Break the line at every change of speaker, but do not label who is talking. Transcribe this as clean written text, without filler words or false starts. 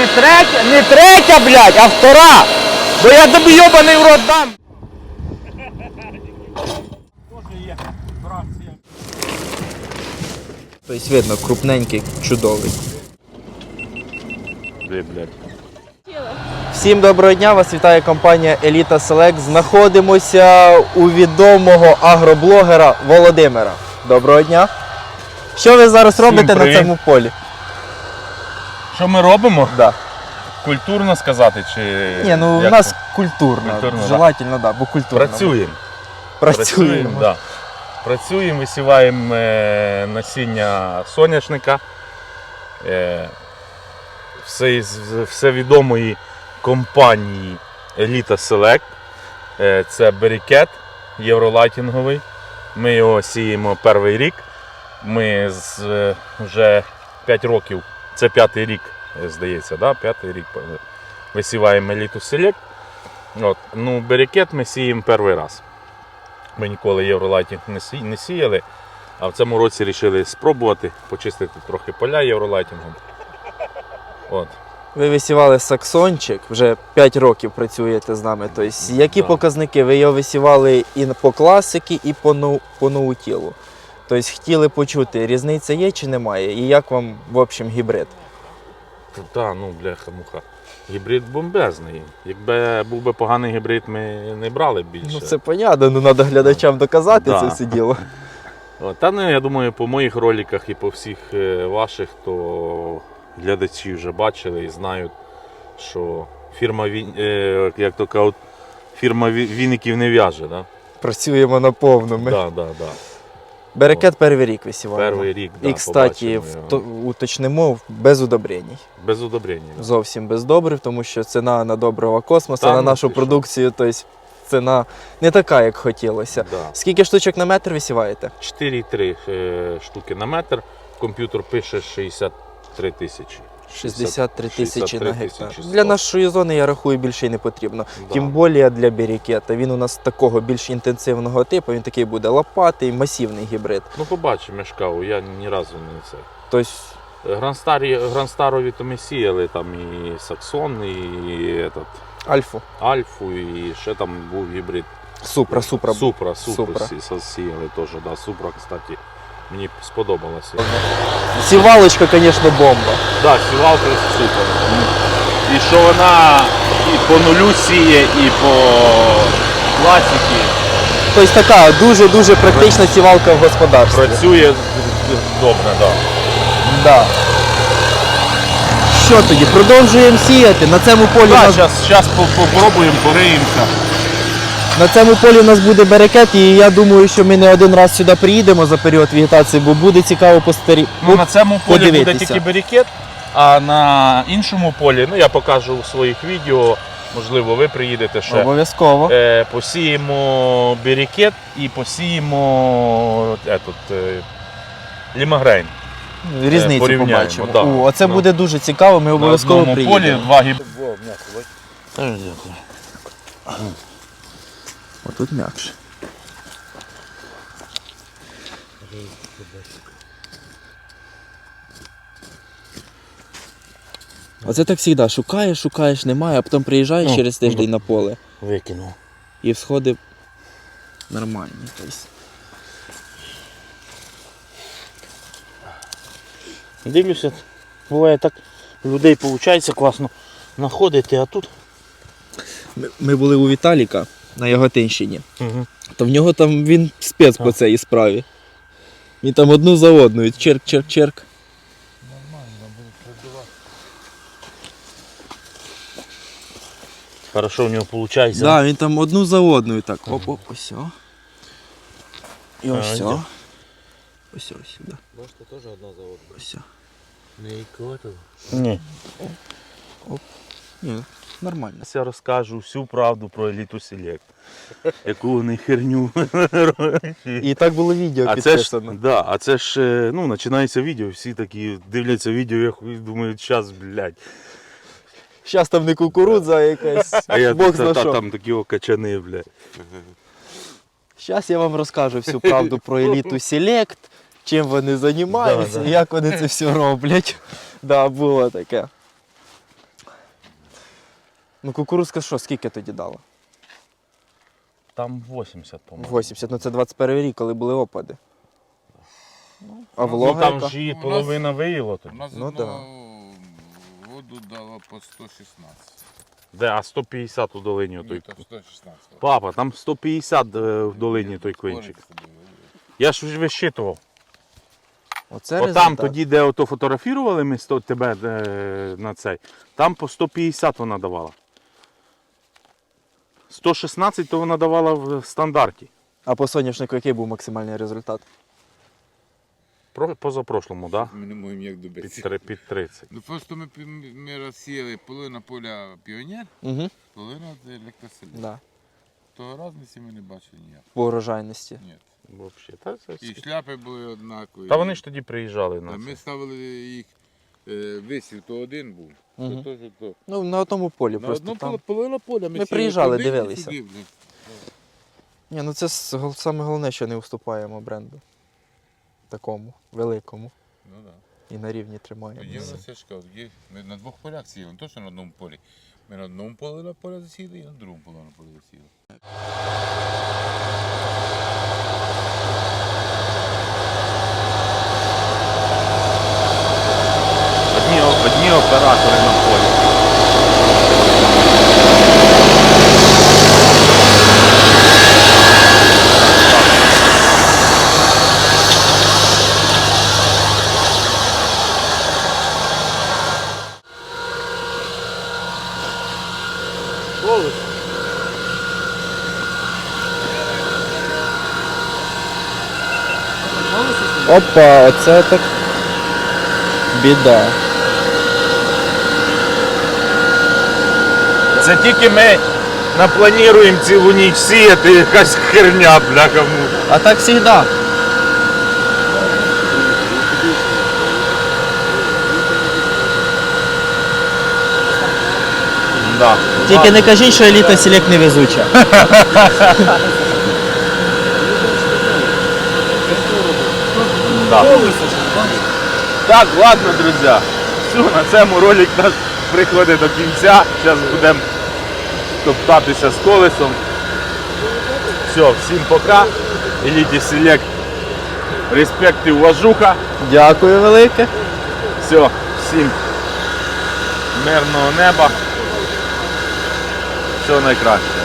Не третя, блядь, а втора. Бо я тобі йобаний в рот дам. Тобто видно, крупненький, чудовий. Всім доброго дня, вас вітає компанія Еліта Селект. Знаходимося у відомого агроблогера Володимира. Доброго дня. Що ви зараз робите на цьому полі?
Що ми робимо?
Да.
Культурно сказати чи.
Ні, ну у нас культурно. Желательно, да, бо культурно.
Працюємо. Да. Працюємо, висіваємо насіння соняшника. Все відомої компанії Еліта Селект. Це берікет євролайтінговий. Ми його сіємо перший рік. Ми вже 5 років, це 5-й рік, здається, да? 5-й рік висіваємо Еліту Селект. Ну, берікет ми сіємо перший раз. Ми ніколи євролайтінг не сіяли, а в цьому році вирішили спробувати почистити трохи поля євролайтінгом.
Ви висівали саксончик, вже 5 років працюєте з нами. Тобто, які показники? Ви його висівали і по класики, і по ноутілу. Тобто, хотіли почути, різниця є чи немає? І як вам, в общем, гібрид?
Так, ну, бляха-муха. Гібрид бомбезний. Якби був би поганий гібрид, ми не брали б більше.
Ну, це понятно, ну треба глядачам доказати це все діло.
Та ну, я думаю, по моїх роликах і по всіх ваших, то глядачі вже бачили і знають, що фірма, як то кажуть, фірма віників не в'яже. Да?
Працюємо на повному.
Да.
Берекет перший рік висіваємо.
Перший рік, да,
і, кстати, уточнимо, без удобрень.
Без удобрень.
Зовсім без добрив, тому що ціна на доброго космоса, на нашу продукцію, тобто ціна не така, як хотілося.
Да.
Скільки штучок на метр висіваєте?
4,3 штуки на метр. Комп'ютер пише 63 тисячі.
63 тисячі на гектар.
100.
Для нашої зони, я рахую, більше й не потрібно.
Да.
Тим більше для берікета. Він у нас такого більш інтенсивного типу, він такий буде лопатий, масивний гібрид.
Ну, побачимо, я ж кажу, я ні разу не це.
Тобто,
Гранстарові то ми сіяли, там і Саксон, і Альфу, і ще там був гібрид.
Супра.
Сіяли теж, да. Супра, кстати, мені сподобалося.
Сівалочка, звісно, бомба.
Так, сівалка супер. І що вона і по нулю сіє, і по класіки.
Тобто така дуже-дуже практична сівалка в господарстві.
Працює добре, так.
Да. Що тоді, продовжуємо сіяти? На цьому полі
зараз попробуємо, пориємося.
На цьому полі у нас буде берекет, і я думаю, що ми не один раз сюди приїдемо за період вегетації, бо буде цікаво
Ну, на цьому полі буде тільки берекет, а на іншому полі, ну я покажу у своїх відео, можливо ви приїдете ще.
Обов'язково.
Посіємо берекет і посіємо лімагрейн.
Різницю побачимо. Да. Оце буде дуже цікаво, ми обов'язково приїдемо.
На одному полі 2
Отут м'якше. Оце так завжди, шукаєш, немає, а потім приїжджаєш через тиждень на поле.
Викинув.
І всходи нормальні.
Дивлюся, буває так, у людей виходить класно знаходити, а тут...
Ми були у Віталіка на Яготинщині, то в нього там він спец по цій справі. Він там одну за одною, черк. Нормально,
буде працювати. Хорошо в нього виходить.
Так, да, він там одну за одною так. Оп, ось. І ось. Ось сюди.
Бачите, теж одна за одною.
Ось.
Не ікотило?
Ні.
Оп. Ні, нормально.
Я розкажу всю правду про Еліту Селект. Яку вони херню.
І так було відео підписано.
А це ж, ну, починається відео, всі такі дивляться відео, я думаю, зараз, блядь.
Зараз там не кукурудза, а якась, Бог зна що.
Там такі качани, блядь.
Зараз я вам розкажу всю правду про Еліту Селект, чим вони займаються, як вони це все роблять. Да, було таке. Ну кукурузка що, скільки тоді дала?
Там 80, по-моєму.
80, ну це 21 рік, коли були опади. А
Ну
волога
там
яка?
ж її
У нас-
половина виїло
У
тоді.
нас
Ну,
воду дало по 116.
Де, а 150 у долині
Ні,
той.
то 116.
Папа, там 150 в долині той клинчик. Я ж вже висчитував.
Оце
Отам
результат.
тоді, де ото фотографували ми тебе на цей, там по 150 вона давала. 116 то вона давала в стандарті.
А по соняшнику який був максимальний результат?
Позапрошлому, так?
Ми не можемо як добитися.
Під 30.
Ну просто ми розсіяли половина поля піонер,
Угу.
половина електроселі.
Да.
Того різниці ми не бачили ніяк.
По урожайності.
Ні.
Вообще, та,
І шляпи були однакові.
та вони ж тоді приїжджали на
Та ми
це.
ставили їх висів, то один був.
Мгм.
То, то.
Ну, на одному полі
На
просто
одну
там.
половину поля ми
Ми
сіяли
приїжджали,
туди і
дивилися.
сюди, блін.
Ні, ну це саме головне, що не уступаємо бренду. Такому, великому.
Ну так.
І на рівні
Тоді
тримаємо.
у нас я ж кажу, ми на двох полях сіяли, не то, що на одному полі. Ми на одному полі засіяли і на другому полі засіяли.
Одні оператори на полі.
Опа, оце так біда.
Це тільки ми наплануємо цілу ніч сіяти, якась херня, бляха му.
А так завжди.
Да.
Тільки не кажіть, що еліта селект невезуча.
Да. Так, ладно, друзі. Все, на цьому ролик наш приходить до кінця. Зараз будемо топтатися з колесом. Все, всім пока. Еліті Селект. Респект і уважуха.
Дякую велике.
Все, всім мирного неба. Всього найкраще.